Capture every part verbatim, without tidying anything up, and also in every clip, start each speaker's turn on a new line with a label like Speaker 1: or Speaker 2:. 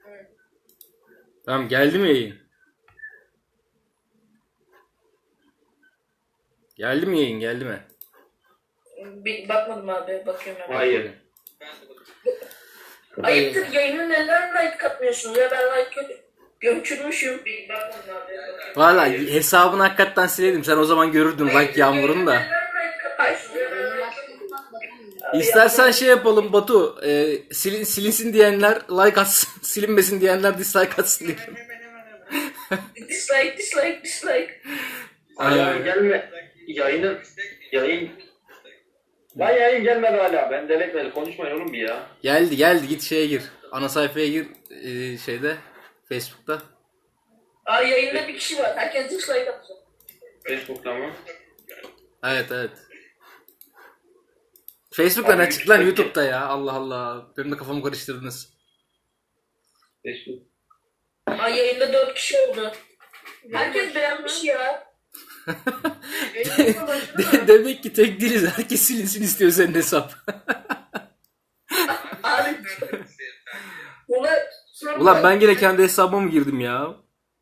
Speaker 1: Tamam, geldi mi yayın? Geldi mi yayın? Geldi mi?
Speaker 2: Bir bakmadım abi, bakıyorum hemen.
Speaker 3: Hayır.
Speaker 2: Ayıptır, yayına neden like katmıyorsunuz ya? Ben like gömçürmüşüm. Bir bakmadım abi.
Speaker 1: Valla hesabını hakikaten sileydim. Sen o zaman görürdün like yağmurunu da. İstersen şey yapalım Batu. E, silin, silinsin diyenler like atsın. Silinmesin diyenler dislike atsın diye.
Speaker 2: Dislike, dislike, dislike.
Speaker 3: Hala gelme. Yayının yayın. Lan yayın gelmedi hala. Ben deletmedi. Konuşmayın oğlum bir ya.
Speaker 1: Geldi geldi, git şeye gir. Ana sayfaya gir e, şeyde Facebook'ta.
Speaker 2: Aa, yayında bir kişi var. Herkes dislike atsın.
Speaker 3: Facebook'ta mı?
Speaker 1: Evet evet. Facebook'ta ne çıktı lan, YouTube'da ya, Allah Allah. Benim de kafamı karıştırdınız.
Speaker 3: Facebook.
Speaker 2: Aa, yayında dört kişi oldu. Herkes beğenmiş ya.
Speaker 1: De- demek ki tek değiliz. Herkes silinsin istiyor senin hesap.
Speaker 2: Abi. Ulan,
Speaker 1: Ulan ben yine kendi hesabıma mı girdim ya?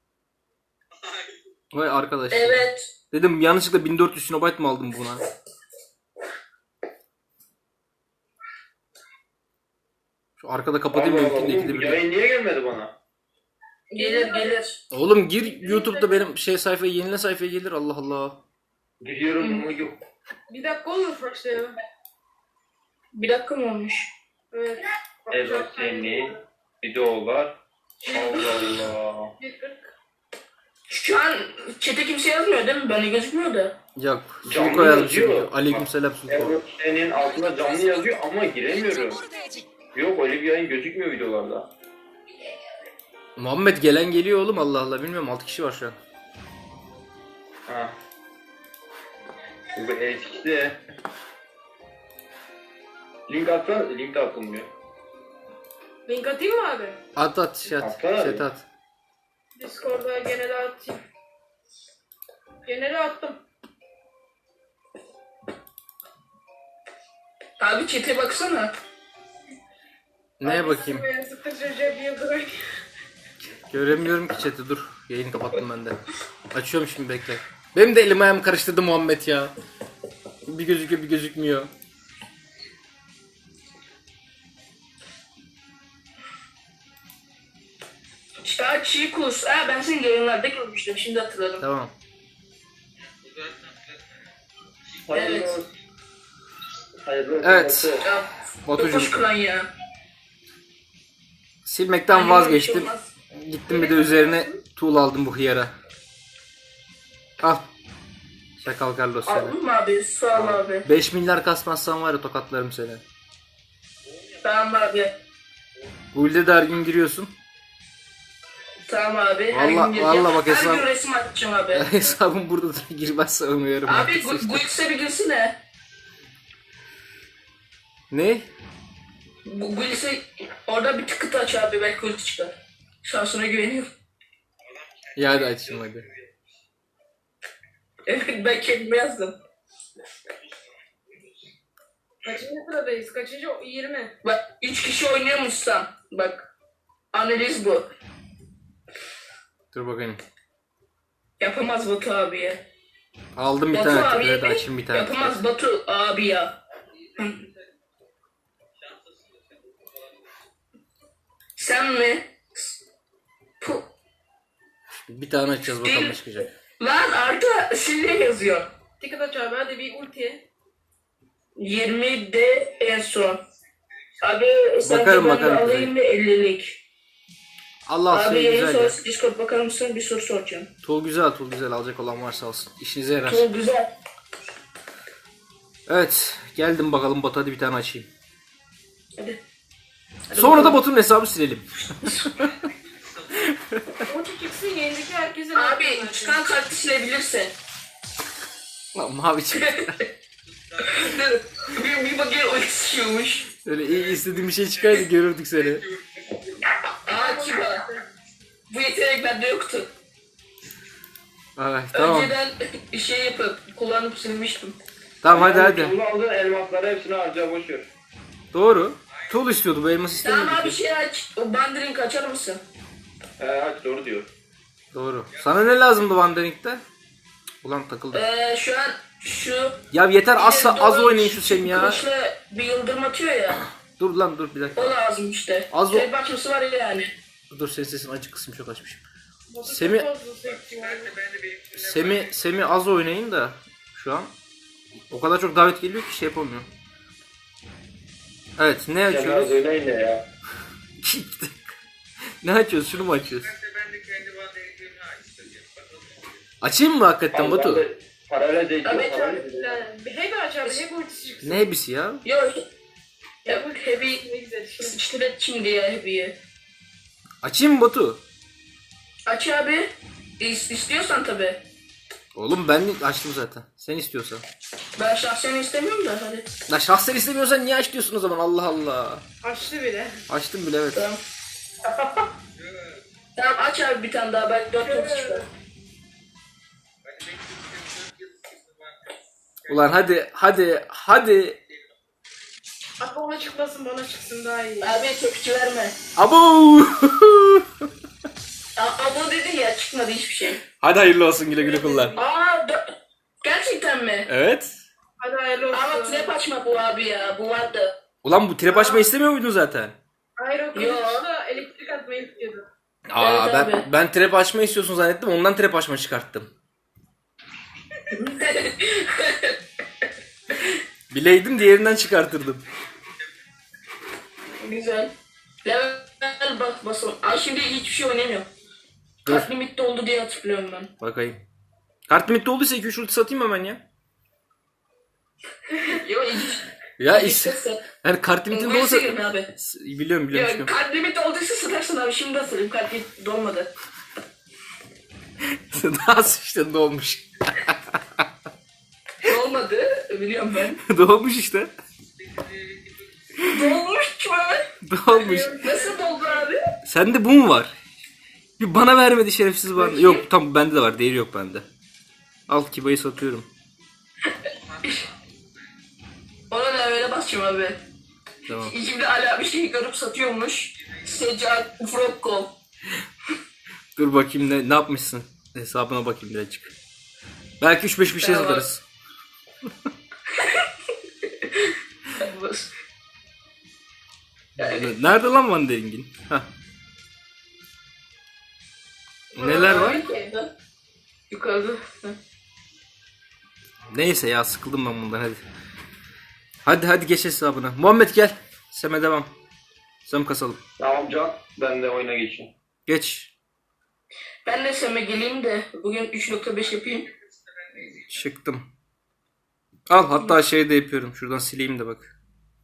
Speaker 1: Vay arkadaş.
Speaker 2: Evet.
Speaker 1: Dedim yanlışlıkla bin dört yüz kilobayt mı aldım buna? Şu arkada kapatayım
Speaker 3: Allah
Speaker 1: mümkün
Speaker 3: Allah,
Speaker 1: değil.
Speaker 3: oğlum,
Speaker 1: ikide bir.
Speaker 3: yayın niye gelmedi bana?
Speaker 2: Gelir gelir.
Speaker 1: Oğlum gir YouTube'da benim şey sayfaya, yenile sayfaya gelir, Allah Allah.
Speaker 3: Gidiyorum ama yok.
Speaker 4: Bir dakika olmuş başlayalım.
Speaker 2: Bir dakika mı olmuş?
Speaker 4: Evet.
Speaker 3: Evet seni. Videolar. Allah Allah.
Speaker 4: Bir kırk.
Speaker 2: Şu an chat'e kimse yazmıyor değil mi? Bana gözükmüyor da.
Speaker 1: Yok.
Speaker 3: Canlı
Speaker 1: Sulko yazmış.
Speaker 3: yazıyor.
Speaker 1: Aleykümselam Sulko.
Speaker 3: Evet senin altında canlı yazıyor ama giremiyorum. Yok öyle bir yayın gözükmüyor videolarda.
Speaker 1: Muhammed gelen geliyor oğlum, Allah Allah. Bilmiyorum, altı kişi var şu an.
Speaker 3: Ha. Bu eskide. Link atsa link de atılmıyor.
Speaker 4: Link atayım mı abi?
Speaker 1: At at chat.
Speaker 3: Atsana
Speaker 1: Chat
Speaker 3: bir.
Speaker 1: at.
Speaker 4: Discord'a genel atayım. Genele attım.
Speaker 2: Abi chat'e baksana.
Speaker 1: Neye bakayım?
Speaker 4: Ben sıkıntı Recep Yıldıray.
Speaker 1: Göremiyorum ki chat'i, dur. Yayını kapattım ben de. Açıyorum şimdi, bekle. Benim de elim ayağım karıştırdı Muhammed ya. Bir gözüküyor bir gözükmüyor.
Speaker 2: İşte çiğ kus. Aa, ben seni yayınlarda görmüştüm. Şimdi hatırladım.
Speaker 1: Tamam.
Speaker 3: Hayırlı
Speaker 2: Evet.
Speaker 3: olsun. Hayırlı olsun.
Speaker 1: Evet.
Speaker 3: Batu.
Speaker 2: Ya,
Speaker 1: Batucuğum,
Speaker 2: Batucuğum. Kılan ya.
Speaker 1: silmekten
Speaker 2: Aynen,
Speaker 1: vazgeçtim.
Speaker 2: öyle bir şey olmaz.
Speaker 1: Gittim bir de üzerine tuğla aldım bu hıyara. Al. Sakal Carlos seni.
Speaker 2: Aldın mı abi? Sağ ol abi.
Speaker 1: beş milyar kasmazsan var ya, tokatlarım seni.
Speaker 2: Tamam abi.
Speaker 1: Guild'e de her gün giriyorsun.
Speaker 2: Tamam abi. Her
Speaker 1: Valla-
Speaker 2: gün gireceğim.
Speaker 1: valla bak
Speaker 2: Her
Speaker 1: hesap-
Speaker 2: gün resim atacağım abi.
Speaker 1: Hesabım burada da girmezse umuyorum.
Speaker 2: Abi Gu- Guils'e bir girsene.
Speaker 1: Ne?
Speaker 2: Gu- Guils'e orada bir tıkıt aç abi. Belki ulti çıkar. Şansına güveniyorum.
Speaker 1: Ya hadi açayım hadi.
Speaker 2: Evet, ben kendime yazdım.
Speaker 4: Kaçıncı sıradayız? Kaçıncı? yirmi.
Speaker 2: Bak üç kişi oynuyormuşsan. Bak. Analiz bu.
Speaker 1: Dur bakayım.
Speaker 2: Yapamaz Batu abi ya.
Speaker 1: Aldım bir
Speaker 2: Batu
Speaker 1: tane
Speaker 2: abi
Speaker 1: tıklayı da
Speaker 2: mi?
Speaker 1: açayım bir tane.
Speaker 2: Yapamaz Batu abi ya. Hı. Sen mi? Puh.
Speaker 1: Bir tane açacağız bakalım ne çıkacak.
Speaker 2: Lan Arda Sille yazıyor.
Speaker 4: Ticket aç abi hadi bir ulti.
Speaker 2: yirmi de en son. Abi sen
Speaker 1: Bakarım,
Speaker 2: ben
Speaker 1: bakarım.
Speaker 2: alayım mı ellilik?
Speaker 1: Allah
Speaker 2: Abi
Speaker 1: şey
Speaker 2: yayın
Speaker 1: güzel ya.
Speaker 2: sonrası Discord bakar mısın? Bir soru soracağım.
Speaker 1: Tool güzel, tool güzel, alacak olan varsa alsın. İşinize yarar.
Speaker 2: Çok güzel.
Speaker 1: Evet, geldim bakalım Batu, hadi bir tane açayım.
Speaker 2: Hadi. Hadi
Speaker 1: Sonra da
Speaker 2: bakalım.
Speaker 1: Batu'nun hesabı silelim.
Speaker 4: Ulti çıksın yayındaki herkese.
Speaker 2: Abi çıkan kartı silebilirsin.
Speaker 1: Lan mavi çıktı.
Speaker 2: bir, bir bakayım o istiyormuş.
Speaker 1: Öyle iyi istediğim bir şey çıkaydı görürdük seni.
Speaker 2: Aa kiba. Bu yetenek bende yoktu.
Speaker 1: Ay, tamam.
Speaker 2: Önceden şey yapıp kullanıp silmiştim.
Speaker 1: Tamam hadi hadi.
Speaker 3: Bunu aldığın elmasları hepsini harca boşver.
Speaker 1: Doğru. Tuğul istiyordu, bu elmas
Speaker 2: Tamam
Speaker 1: istemiyordu
Speaker 2: abi
Speaker 1: ki.
Speaker 2: şey aç. O bandırın kaçar mısın?
Speaker 3: He aç doğru diyor.
Speaker 1: Doğru. Sana ne lazımdı Wandering'de? Ulan takıldı.
Speaker 2: Ee, şu an şu...
Speaker 1: Ya yeter az,
Speaker 2: İleri
Speaker 1: az
Speaker 2: doğru
Speaker 1: oynayın şu Semih ya.
Speaker 2: Kılıçla bir yıldırım atıyor ya.
Speaker 1: Dur lan dur bir dakika.
Speaker 2: O lazım işte.
Speaker 1: Az o-
Speaker 2: Tek başlısı var yani.
Speaker 1: Dur senin sesin acık kısım çok açmışım.
Speaker 4: Batu
Speaker 1: Semih-
Speaker 4: çok fazla sekti var.
Speaker 1: Semi, Semi az oynayın da şu an. O kadar çok davet geliyor ki şey yapamıyor. Evet ne
Speaker 3: Sen az
Speaker 1: açıyoruz?
Speaker 3: oynayın ne ya?
Speaker 1: Ne açıyoruz? Şunu mu açıyoruz? Açayım mı hakikaten
Speaker 3: Abi,
Speaker 1: Batu?
Speaker 3: ben de Paralel değil.
Speaker 2: Tabii,
Speaker 3: paralel
Speaker 2: tabii.
Speaker 3: değil.
Speaker 4: Yani bir heavy aç abi, heavy ultisi çıksın.
Speaker 1: Ne hepsi ya?
Speaker 2: Yok. Ya
Speaker 4: Heavy
Speaker 2: bu
Speaker 4: ultisi
Speaker 2: heavy
Speaker 4: ne güzel işte.
Speaker 2: sıçtıret şimdi ya heavy'yi.
Speaker 1: Açayım mı Batu?
Speaker 2: Aç abi. İs- istiyorsan tabii.
Speaker 1: Oğlum ben açtım zaten. Sen istiyorsan.
Speaker 2: Ben şahsen istemiyorum da hadi.
Speaker 1: La şahsen istemiyorsan niye aç diyorsun o zaman? Allah Allah.
Speaker 4: Açtı bile.
Speaker 1: Açtım bile evet.
Speaker 2: Tamam. Tamam aç abi bir tane daha belki dört yıldız çıkar.
Speaker 1: Ulan hadi hadi hadi.
Speaker 4: Abi ona çıkmasın, bana çıksın daha iyi.
Speaker 2: Abi tepki verme.
Speaker 1: Abo.
Speaker 2: A- Abo dedin ya çıkmadı hiçbir şey.
Speaker 1: Hadi hayırlı olsun, güle güle kullan.
Speaker 2: Aa dö- gerçekten mi?
Speaker 1: Evet.
Speaker 4: Hadi hayırlı olsun.
Speaker 2: Ama trap açma bu abi ya bu vardı.
Speaker 1: Ulan bu trap açma istemiyor muydun zaten?
Speaker 4: Hayır o
Speaker 2: Yo.
Speaker 4: kılıçla elektrik atmayı istiyordu.
Speaker 1: Aa
Speaker 2: Evet
Speaker 1: ben
Speaker 2: abi.
Speaker 1: ben trap açma istiyorsun zannettim. Ondan trap açma çıkarttım. Bileydim diğerinden çıkartırdım.
Speaker 2: Güzel. Level bak basalım. Ay şimdi hiçbir şey oynamıyorum.
Speaker 1: Dur.
Speaker 2: Kart limit doldu diye hatırlıyorum ben.
Speaker 1: Bakayım. Kart limitte olduysa iki üç ulti satayım hemen ya.
Speaker 2: Yo hiç.
Speaker 1: Ya
Speaker 2: hiç
Speaker 1: is
Speaker 2: ses-
Speaker 1: yani kart limitin
Speaker 2: Neyse
Speaker 1: olsa
Speaker 2: girin abi.
Speaker 1: biliyorum biliyorum.
Speaker 2: Ya
Speaker 1: biliyorum.
Speaker 2: kart limit olduysa satarsın abi. Şimdi hatırlayayım kart limit dolmadı.
Speaker 1: Daha sıçtın dolmuş.
Speaker 2: Dolmadı. Biliyorum ben.
Speaker 1: Dolmuş işte.
Speaker 2: Dolmuş mu?
Speaker 1: Dolmuş.
Speaker 2: Nasıl doldu abi?
Speaker 1: Sende bu mu var? Bir bana vermedi şerefsiz bana. Yok tam bende de var. Değeri yok bende. Al Kiba'yı satıyorum.
Speaker 2: Ona da öyle basacağım abi.
Speaker 1: Tamam.
Speaker 2: İçimde hala bir şey görüp satıyormuş. Seccat Frokko.
Speaker 1: Dur bakayım ne ne yapmışsın. Hesabına bakayım birazcık. Belki üç beş bir şey
Speaker 2: Tamam.
Speaker 1: satarız. Nerede lan Van Dering'in? Hah. Neler var?
Speaker 2: Yukarıda. Yukarıda. Hı.
Speaker 1: Neyse ya sıkıldım ben bundan hadi. Hadi hadi geç hesabına. Muhammed gel. Seme devam. Sem kasalım.
Speaker 3: Tamam Can. Ben de oyuna geçeyim.
Speaker 1: Geç.
Speaker 2: Ben de Sem'e geleyim de bugün üç nokta beş yapayım.
Speaker 1: Çıktım. Al hatta şey de yapıyorum. Şuradan sileyim de bak.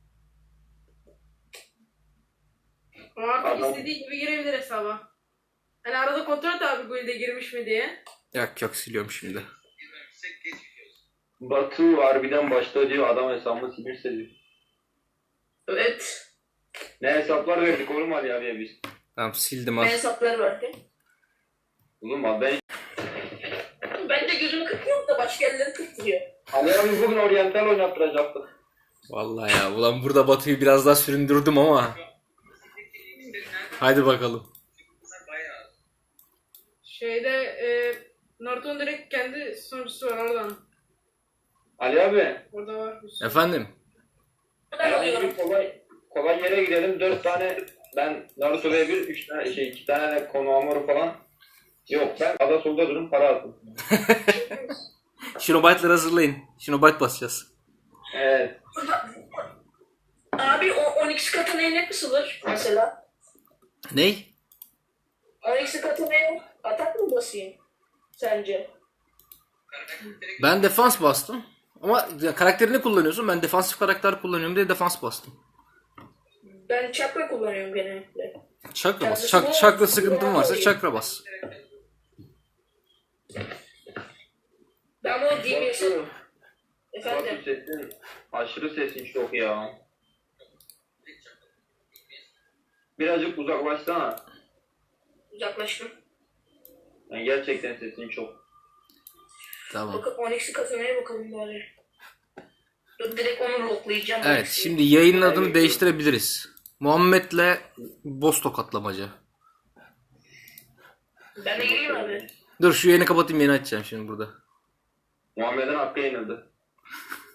Speaker 4: O artık
Speaker 3: Adam-
Speaker 4: istediği gibi girebilir hesaba. Hani arada kontrol et abi guild'e girmiş mi diye.
Speaker 1: Yok yok siliyorum şimdi.
Speaker 3: Batu harbiden başta diyor adam hesabımı silirse diyor.
Speaker 2: Evet.
Speaker 3: Ne hesaplar verdik oğlum Ali abiye biz.
Speaker 1: Tamam sildim
Speaker 2: Ne
Speaker 1: al.
Speaker 2: hesapları verdi?
Speaker 3: Oğlum abi ben...
Speaker 2: Ben de gözümü kırpıyorum da başka yerleri kırptırıyor.
Speaker 3: Ali abi bugün oryantal oynattıracaktı.
Speaker 1: Vallahi ya ulan burada Batu'yu biraz daha süründürdüm ama. Hadi bakalım.
Speaker 4: Şeyde e, Naruto'nun direkt kendi sunucusu var oradan.
Speaker 3: Ali abi.
Speaker 4: Orada var. bir sürü.
Speaker 1: Efendim.
Speaker 2: Ben
Speaker 3: Yani
Speaker 2: alıyorum.
Speaker 3: bir kolay, kolay yere gidelim. Dört tane ben Naruto ve bir, üç tane şey, iki tane de Konohamaru falan. Yok ben ada solda durum para aldım.
Speaker 1: Shinobyte'ları hazırlayın. Shinobite basacağız.
Speaker 3: Evet.
Speaker 2: Abi o on iki katanaya ne kısılır mesela?
Speaker 1: Ney?
Speaker 2: on iki katanaya atak mı basayım? Sence?
Speaker 1: Ben defans bastım. Ama ya karakterini kullanıyorsun. Ben defansif karakter kullanıyorum diye defans bastım.
Speaker 2: Ben çakra kullanıyorum genellikle.
Speaker 1: Çakra bas.
Speaker 2: Çakrası
Speaker 1: Çak,
Speaker 2: ne?
Speaker 1: çakra sıkıntın varsa çakra bas.
Speaker 2: Ben bunu D B S'e...
Speaker 3: Batu,
Speaker 2: Efendim?
Speaker 3: Batu sesin, aşırı sesin çok ya. Birazcık uzaklaşsana.
Speaker 2: Uzaklaştım.
Speaker 3: Yani gerçekten sesin çok.
Speaker 1: Tamam.
Speaker 2: Bakıp on iki katanaya bakalım bari. Dur direkt onu locklayacağım.
Speaker 1: Evet şimdi yayının adını değiştirebiliriz. Muhammed'le boss tokatlamaca.
Speaker 2: Ben de gireyim abi.
Speaker 1: Dur şu yayını kapatayım, yeni açacağım şimdi burada.
Speaker 3: Muhammed'in hakkı yenildi.